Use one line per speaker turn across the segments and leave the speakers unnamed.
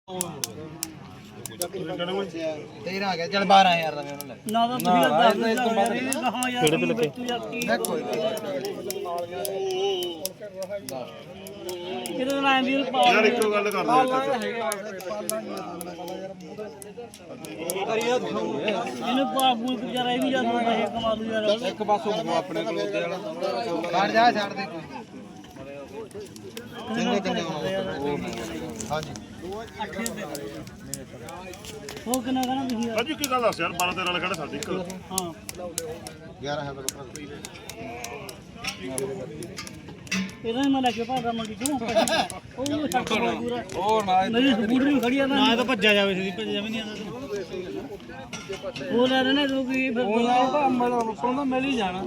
13 ਆ ਗਿਆ ਚੱਲ 12000 ਦਾ ਮੈਨੂੰ ਲੈ
ਨਾ ਤਾਂ ਤੁਸੀਂ ਦੱਸ ਦੇ ਕਹਾਂ ਯਾਰ ਕਿਹੜੇ ਤੇ ਲੱਗੇ ਕਿਹਦੇ ਨਾਲ ਵੀ
ਯਾਰ ਇੱਕੋ ਗੱਲ ਕਰ
ਇਹਨੂੰ ਬਾਬੂ ਵਿਚਾਰਾ ਇਹ ਵੀ ਜਾਂਦਾ ਪੈਸੇ ਕਮਾ ਲੂ ਯਾਰ
ਇੱਕ ਪਾਸੋਂ ਆਪਣੇ ਕੋਲ ਉੱਤੇ ਵਾਲਾ ਛੱਡ ਜਾ ਛੱਡ ਦੇ ਕੋਈ ਕਿੰਨੇ ਹਾਂਜੀ
ਉਹ ਕਿੰਨਾ ਕਹਣਾ ਤੁਸੀਂ
ਅੱਜ ਕੀ ਗੱਲ ਦੱਸ ਯਾਰ 12 13 ਵਾਲਾ ਕਿਹੜਾ ਸਾਡੀ ਇੱਕ
ਹਾਂ
11 ਹੈ ਮੇਰੇ
ਇਹਦਾ ਹੀ ਮੈਂ ਲੈ ਕੇ ਭਾਗਾ ਮੰਡੀ ਤੋਂ ਉਹ ਛੱਡ ਪੂਰਾ
ਹੋਰ ਨਾ
ਮੇਰੀ ਸਕੂਟਰ ਵੀ ਖੜੀ ਆ ਨਾ ਤਾਂ ਭੱਜਿਆ ਜਾਵੇ ਸੀ ਭੱਜਿਆ ਵੀ ਨਹੀਂ ਆਉਂਦਾ ਉਹ ਲੈ ਰਹੇ ਨੇ ਲੋਕੀ ਫਿਰ ਉਹ ਤਾਂ ਮਿਲ ਹੀ ਜਾਣਾ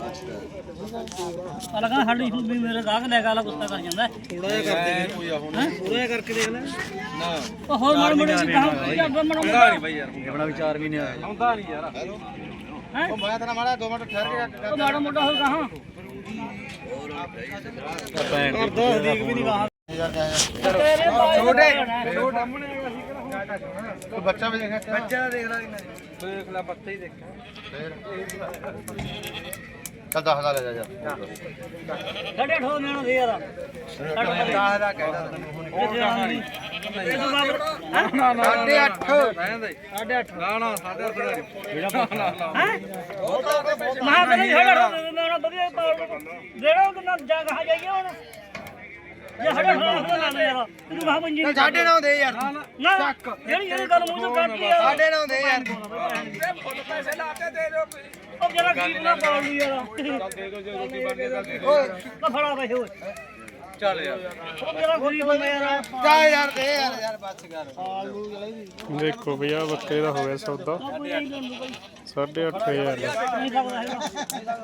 ਅਲੱਗ ਨਾਲ ਸਾਡੀ ਵੀ ਮੇਰੇ ਗਾਹਕ ਲੈ ਕੇ ਆਲਾ ਗੁੱਸਾ ਕਰ ਜਾਂਦਾ
ਥੋੜਾ ਜਿਹਾ ਕਰਦੇ ਕੋਈ ਆ ਹੁਣ ਥੋੜਾ ਜਿਹਾ ਕਰਕੇ ਦੇਖ ਲੈ ਨਾ
ਉਹ ਹੋਰ ਮਾੜੇ ਮਾੜੇ ਸੀ ਕਹਾਂ
ਹੁੰਦਾ ਨਹੀਂ ਬਾਈ ਯਾਰ ਆਪਣਾ ਵਿਚਾਰ ਵੀ ਨਹੀਂ ਆਇਆ ਹੁੰਦਾ ਨਹੀਂ ਯਾਰ
ਹੈ
ਉਹ ਮੈਂ ਤੇਰਾ ਮਾੜਾ 2 ਮਿੰਟ ਠਹਿਰ ਕੇ
ਉਹ ਮਾੜਾ ਮੋਟਾ ਹੋ ਕਹਾਂ
ਕਰ ਦੋ ਦੇਖ ਵੀ ਨਹੀਂ ਕਹਾ ਛੋਟੇ ਤੂੰ ਬੱਚਾ ਵੀ ਦੇਖਿਆ ਬੱਚਾ ਦੇਖ ਲੈ ਕਿੰਨਾ ਦੇਖ ਲੈ ਬੱਚਾ ਹੀ ਦੇਖਿਆ ਫੇਰ ਚੱਲ 10 ਦਾ ਲੈ ਜਾ ਯਾਰ
ਸਾਡੇ ਠੋ ਲੈਣਾ ਦੇ ਯਾਰ
10 ਦਾ ਕਹਿਦਾ
ਇਹ ਤੋਂ ਬਾਬਰ
ਨਾ ਨਾ 8.5 ਰਹਿੰਦੇ 8.5 ਨਾ ਨਾ 8.5 ਜਿਹੜਾ
ਹੈ ਮਹਾ ਕਹਿੰਦੇ ਸਾਡਾ ਨਾ ਵਧੀਆ ਜਿਹੜਾ ਕਿੰਨਾ ਜਾ ਕਹਾ ਜਾਈਏ ਹੁਣ ਜੇ ਸਾਡਾ ਠੋ ਲਾ ਦੇ ਯਾਰ ਤੂੰ ਮਹਾ ਪੰਜੀ
9.5 ਦੇ ਯਾਰ
ਨਾ ਜਿਹੜੀ ਗੱਲ ਮੂੰਹ ਤੋਂ ਕੱਢ ਲਈ ਯਾਰ
9.5 ਦੇ ਯਾਰ
ਫੁੱਲ ਪੈਸੇ ਲਾਤੇ ਦੇ ਦਿਓ
ਉਹ ਜਿਹੜਾ ਗੀਤ ਨਾ ਪਾਉ ਲਈ ਯਾਰ
ਦੇ ਦਿਓ ਜੇ ਰੋਟੀ ਬਣਦੀ ਤਾਂ
ਉਹ ਫੜਾ ਪੈਸੇ ਓਏ
ਚੱਲ ਯਾਰ
ਉਹ ਜਿਹੜਾ ਗਰੀਬ ਬੰਦਾ ਯਾਰ
ਜਾ ਯਾਰ ਦੇ ਯਾਰ ਬੱਸ ਕਰ
ਦੇਖੋ ਭਈਆ ਬੱਕਰੇ ਦਾ ਹੋ ਗਿਆ ਸੌਦਾ 8.5000
ਨਹੀਂ ਸਕਦਾ ਹੈਗਾ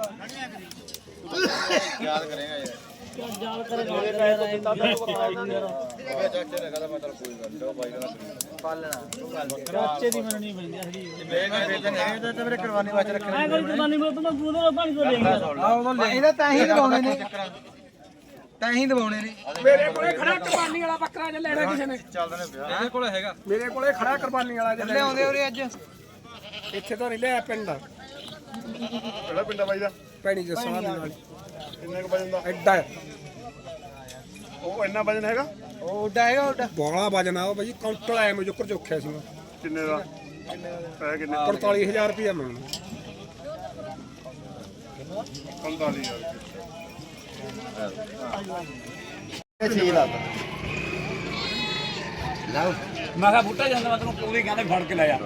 ਯਾਦ ਕਰੇਗਾ ਯਾਰ
ਜਾਲ ਕਰੇਗਾ
ਓਏ ਚਾਚੇ ਨੇ ਕਹਦਾ ਮਤਲਬ ਕੋਈ ਗੱਲ ਨਹੀਂ ਬਾਈ ਦਾ ਪਾਲਣਾ
ਕਰਾਚੇ ਦੀ ਮੈਨੂੰ ਨਹੀਂ ਮਿਲਦੀ ਹਰੀ
ਇਹ ਤਾਂ ਮੇਰੇ ਕੁਰਬਾਨੀ ਵਾਚ ਰੱਖਣਾ
ਮੈਂ ਕੋਈ ਜਵਾਨੀ ਮੇ ਤੁਮ ਪੂਰੇ ਪਾਣੀ ਤੋਂ ਦੇਂਗਾ
ਇਹਦਾ ਤਾਂ ਹੀ ਦਵਾਉਣੇ ਨੇ ਤਾਂ ਹੀ ਦਵਾਉਣੇ ਨੇ
ਮੇਰੇ ਕੋਲੇ ਖੜਾ ਕੁਰਬਾਨੀ ਵਾਲਾ ਬੱਕਰਾ ਜੇ ਲੈਣਾ ਕਿਸੇ ਨੇ
ਚੱਲਦੇ ਨੇ ਵਿਆਹ ਇਹਦੇ ਕੋਲ ਹੈਗਾ
ਮੇਰੇ ਕੋਲੇ ਖੜਾ ਕੁਰਬਾਨੀ ਵਾਲਾ ਜੇ
ਲਿਆਉਂਦੇ ਉਰੇ ਅੱਜ
ਇੱਥੇ ਤਾਂ ਨਹੀਂ ਲਿਆ ਪਿੰਡ ਦਾ
ਕਿਹੜਾ ਪਿੰਡਾ ਬਾਈ ਦਾ
ਪੈਣੀ ਜਸਾਂ ਦੀ ਨਾਲ
ਕਿੰਨੇ ਕੁ ਵਜਨ ਦਾ
ਐਡਾ
ਉਹ ਇੰਨਾ ਵਜਨ ਹੈਗਾ
ਉਹ ਉੱਡਾ ਹੈਗਾ ਉੱਡਾ
ਬੋਲਾ ਵਜਨ ਆ ਉਹ ਭਾਈ ਕਾਊਂਟਰ ਆਇਆ ਮੈਂ ਜੁਕਰ ਚੋਖਿਆ ਸੀ
ਕਿੰਨੇ ਦਾ ਪੈ ਕਿੰਨੇ
45000 ਰੁਪਇਆ ਮੰਗਣਾ
45000
ਇਹ ਛੇ ਲੱਖ ਲਾਓ
ਮੈਂ ਕਿਹਾ ਬੁੱਟਾ ਜਾਂਦਾ ਮੈਂ ਤੈਨੂੰ ਪੂਰੀ ਕਹਿੰਦੇ ਫੜ ਕੇ ਲੈ ਜਾ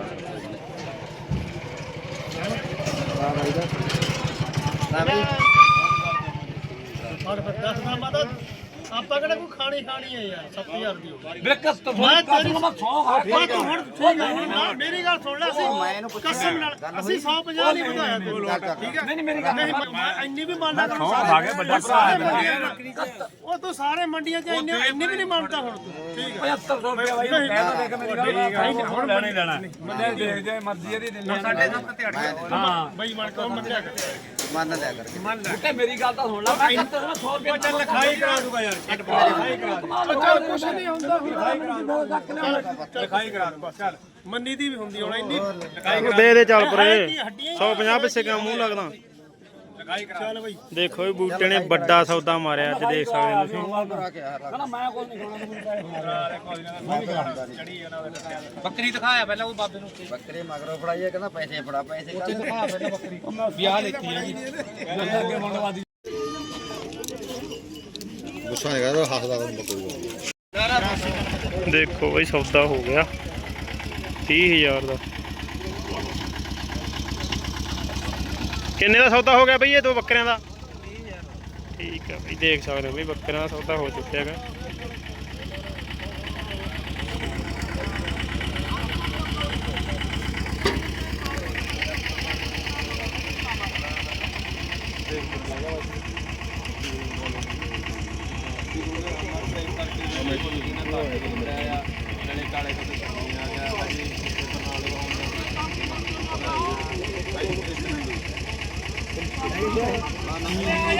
ਔਰ 10 ਦਾ ਮਦਦ ਆਪਾਂ ਕਿਹੜਾ ਕੋਈ ਖਾਣੀ ਹੈ ਯਾਰ 7000 ਦੀ ਬ੍ਰੇਕਸ ਤੋਂ ਮੈਂ ਤੇਰੀ ਮੈਂ 100 ਖਾ ਤੂੰ ਹੁਣ ਮੇਰੀ ਗੱਲ ਸੁਣ ਲੈ ਅਸੀਂ ਕਸਮ ਨਾਲ ਅਸੀਂ 150 ਨਹੀਂ ਵਧਾਇਆ ਤੈਨੂੰ ਠੀਕ ਹੈ ਨਹੀਂ ਮੇਰੀ ਗੱਲ ਮੈਂ ਇੰਨੀ ਵੀ ਮੰਨਦਾ ਤੈਨੂੰ ਸਾਰੇ ਵੱਡਾ ਭਰਾ ਉਹ ਤੂੰ ਸਾਰੇ ਮੰਡੀਆਂ 'ਚ ਇੰਨੀ ਵੀ ਨਹੀਂ ਮੰਨਦਾ ਹੁਣ ਤੂੰ ਠੀਕ ਹੈ 7500 ਰੁਪਏ ਬਾਈ ਕਹਿ ਤਾਂ ਦੇਖ ਮੇਰੀ ਗੱਲ ਹੁਣ ਲੈਣਾ ਹੀ ਲੈਣਾ ਮੈਂ ਦੇਖ ਜੇ ਮਰਜ਼ੀ ਇਹਦੀ ਦੇ ਲੈ 7.5 ਤੇ 8 ਹਾਂ ਬਈ ਮਨ ਕੋ ਮੰਨਿਆ ਕਰ
ਮੰਨ ਲਿਆ ਕਰਕੇ
ਮੰਨ ਲੈ ਮੇਰੀ ਗੱਲ ਤਾਂ ਸੁਣ ਲੈ ਮੈਂ 100 ਰੁਪਏ ਚੱਲ ਲਿਖਾਈ ਕਰਾ ਦੂਗਾ ਯਾਰ ਲਿਖਾਈ ਕਰਾ
ਕੁਛ ਨਹੀਂ ਹੁੰਦਾ
ਲਿਖਾਈ ਕਰਾ ਬਸ ਚੱਲ ਮੰਨੀ ਦੀ ਵੀ ਹੁੰਦੀ ਹੁਣ ਇੰਨੀ
ਦੇ ਦੇ ਚੱਲ ਪਰੇ 150 ਪਿੱਛੇ ਕਿਉਂ ਮੂੰਹ ਲੱਗਦਾ
ਲਿਖਾਈ ਕਰਾ ਚੱਲ ਬਈ
ਦੇਖੋ ਇਹ ਬੂਟੇ ਨੇ ਵੱਡਾ ਸੌਦਾ ਮਾਰਿਆ ਅੱਜ ਦੇਖ ਸਕਦੇ ਹੋ ਤੁਸੀਂ
ਕਹਿੰਦਾ ਮੈਂ ਕੁਝ ਨਹੀਂ ਖਾਣਾ
ਬੱਕਰੀ ਦਿਖਾਇਆ ਪਹਿਲਾਂ ਉਹ ਬਾਬੇ ਨੂੰ
ਬੱਕਰੇ ਮਗਰੋਂ ਫੜਾਈਏ ਕਹਿੰਦਾ ਪੈਸੇ ਫੜਾ ਪੈਸੇ
ਵਿਆਹ ਲੈਤੀ ਹੈਗੀ
ਗੁੱਸਾ ਨਹੀਂ ਕਰਦਾ ਹੱਸਦਾ ਕੋਈ
ਦੇਖੋ ਬਈ ਸੌਦਾ ਹੋ ਗਿਆ 30000 ਦਾ ਕਿੰਨੇ ਦਾ ਸੌਦਾ ਹੋ ਗਿਆ ਬਈ ਇਹ ਦੋ ਬੱਕਰਿਆਂ ਦਾ ਠੀਕ ਹੈ ਬਈ ਦੇਖ ਸਕਦੇ ਹੋ ਬਈ ਬੱਕਰਿਆਂ ਦਾ ਸੌਦਾ ਹੋ ਚੁੱਕਿਆ ਹੈਗਾ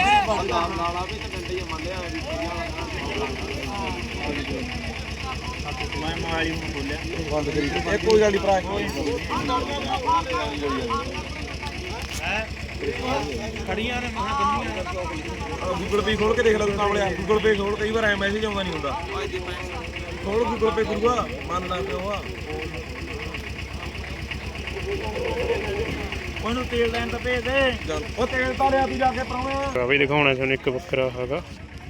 ਲਾਲਾ ਵੀ ਤੇ ਡੰਡੇ ਮੰਨ ਲਿਆ
ਮੈਂ ਮੋਬਾਈਲ ਨੂੰ ਖੋਲਿਆ
ਬੰਦ ਕਰੀ ਇਹ ਕੋਈ ਗੱਲ ਨਹੀਂ ਭਰਾ
ਖੜੀਆਂ ਨੇ ਮਹਾਂ ਬੰਨੀਆਂ
ਗੂਗਲ ਪੇ ਖੋਲ ਕੇ ਦੇਖ ਲੈ ਤੂੰ ਕਾਮਲਿਆ ਗੂਗਲ ਪੇ ਖੋਲ ਕਈ ਵਾਰ ਐ ਮੈਸੇਜ ਆਉਂਦਾ ਨਹੀਂ ਹੁੰਦਾ ਖੋਲ ਗੂਗਲ ਪੇ ਗੁਰੂਆ ਮੰਨਣਾ ਪਿਓ ਆ
ਉਹਨੂੰ ਤੇਲ ਲੈਣ ਤਾਂ ਭੇਜ ਦੇ
ਉਹ ਤੇਲ ਤਾਂ ਲਿਆ ਤੂੰ ਜਾ ਕੇ ਪਰਾਉਣਾ
ਆ ਵੀ ਦਿਖਾਉਣਾ ਤੁਹਾਨੂੰ ਇੱਕ ਬੱਕਰਾ ਹੈਗਾ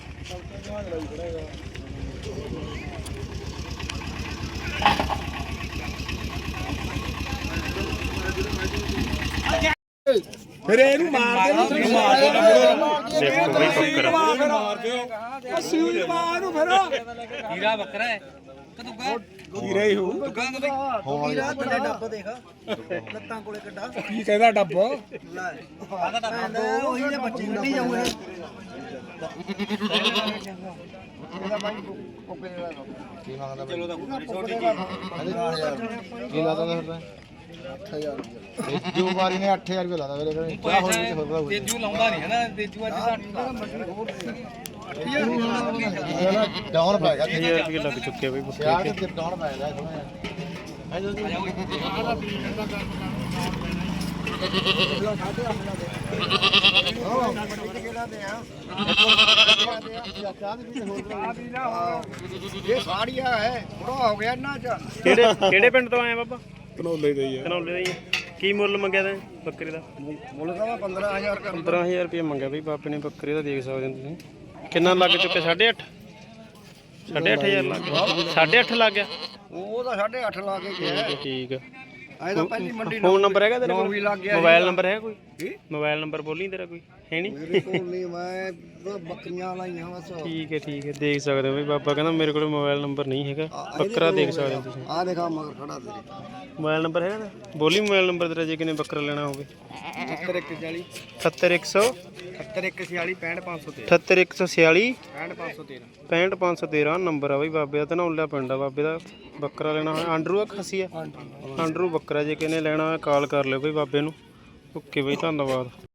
ਫਿਰ ਇਹਨੂੰ ਮਾਰ ਦੇ
ਦੇਖੋ ਬਈ ਬੱਕਰਾ
ਮਾਰ ਦਿਓ ਅਸੂਲ ਮਾਰ ਨੂੰ ਫਿਰ
ਹੀਰਾ ਬੱਕਰਾ ਹੈ ਕਦੂਗਾ
ਹੀਰਾ ਹੀ ਹੋ
ਹੀਰਾ ਥੱਲੇ ਡੱਬ ਦੇਖ ਲੱਤਾਂ ਕੋਲੇ ਕੱਢਾ
ਕੀ ਕਹਿੰਦਾ ਡੱਬ
ਉਹੀ ਨੇ ਬੱਚੇ ਕੱਢੀ ਜਾਊਗਾ
ਚਲੋ ਤਾਂ ਛੋਟੀ ਜੀ
ਕੀ ਲਾਦਾ ਫਿਰ 8000 ਜੋ ਵਾਰੀ ਨੇ 8000 ਰੁਪਏ ਲਾਦਾ ਮੇਰੇ ਕੋਲ
ਤੇਜੂ ਲਾਉਂਦਾ ਨਹੀਂ ਹੈ ਨਾ ਤੇਜੂ ਅੱਜ
ਡਾਊਨ ਪੈ ਗਿਆ
1000 ਰੁਪਏ ਲੱਗ ਚੁੱਕੇ ਬਈ ਬੱਕਰੇ
ਯਾਰ
ਤੇ
ਤੇ ਡਾਊਨ ਪੈ ਗਿਆ
ਇਹ ਸਾੜੀਆ ਹੈ ਬੜਾ ਹੋ ਗਿਆ ਇਹਨਾਂ ਚ
ਕਿਹੜੇ ਪਿੰਡ ਤੋਂ ਆਏ ਬਾਬਾ
ਧਨੌਲੇ ਦੇ ਹੀ ਆ
ਧਨੌਲੇ ਦਾ ਹੀ ਆ। ਕੀ ਮੁੱਲ ਮੰਗਿਆ ਤੈਂ ਬੱਕਰੇ ਦਾ
ਮੁੱਲ ਤਾਂ 15000 ਕਰ
15000 ਰੁਪਏ ਮੰਗਿਆ ਬਈ ਬਾਪੇ ਨੇ ਬੱਕਰੇ ਦਾ ਦੇਖ ਸਕਦੇ ਹੋ ਤੁਸੀਂ ਕਿੰਨਾ ਲੱਗ ਚੁੱਕਿਆ 8.5 8.5000 ਲੱਗ ਗਿਆ 8.5 ਲੱਗ ਗਿਆ
ਉਹ ਤਾਂ 8.5 ਲਾ ਕੇ ਗਿਆ
ਠੀਕ ਆ
ਐ ਤਾਂ ਪਹਿਲੀ ਮੰਡੀ
ਫੋਨ ਨੰਬਰ ਹੈਗਾ ਤੇਰੇ ਕੋਲ
ਵੀ ਲੱਗ ਗਿਆ
ਮੋਬਾਈਲ ਨੰਬਰ ਹੈ ਕੋਈ ਮੋਬਾਈਲ ਨੰਬਰ ਬੋਲੀ ਤੇਰਾ ਕੋਈ ਹੈ ਨਹੀਂ
ਮੇਰੇ ਕੋਲ ਨਹੀਂ ਮੈਂ ਤਾਂ ਬੱਕਰੀਆਂ ਲਾਈਆਂ ਬਸ
ਠੀਕ ਹੈ ਦੇਖ ਸਕਦੇ ਹੋ ਬਈ ਬਾਬਾ ਕਹਿੰਦਾ ਮੇਰੇ ਕੋਲ ਮੋਬਾਈਲ ਨੰਬਰ ਨਹੀਂ ਹੈਗਾ ਬੱਕਰਾ ਦੇਖ ਸਕਦੇ ਹੋ ਤੁਸੀਂ
ਆ ਦੇਖਾ ਮਗਰ ਖੜਾ ਤੇਰੇ
ਮੋਬਾਈਲ ਨੰਬਰ ਹੈਗਾ ਨਾ ਬੋਲੀ ਮੋਬਾਈਲ ਨੰਬਰ ਤੇਰਾ ਜੇ ਕਿਨੇ ਬੱਕਰਾ ਲੈਣਾ ਹੋਵੇ
7140
78100
7140 65513
78146
65513
65513 ਨੰਬਰ ਆ ਬਈ ਬਾਬੇ ਦਾ ਧਨੌਲਾ ਪਿੰਡ ਆ ਬਾਬੇ ਦਾ ਬੱਕਰਾ ਲੈਣਾ ਹੋਇਆ ਆਂਡਰੂ ਆ ਖੱਸੀ ਆ ਆਂਡਰੂ ਬੱਕਰਾ ਜੇ ਕਿਨੇ ਲੈਣਾ ਹੋਇਆ ਕਾਲ ਕਰ ਲਿਓ ਬਈ ਬਾਬੇ ਨੂੰ ਓਕੇ ਬਈ ਧੰਨਵਾਦ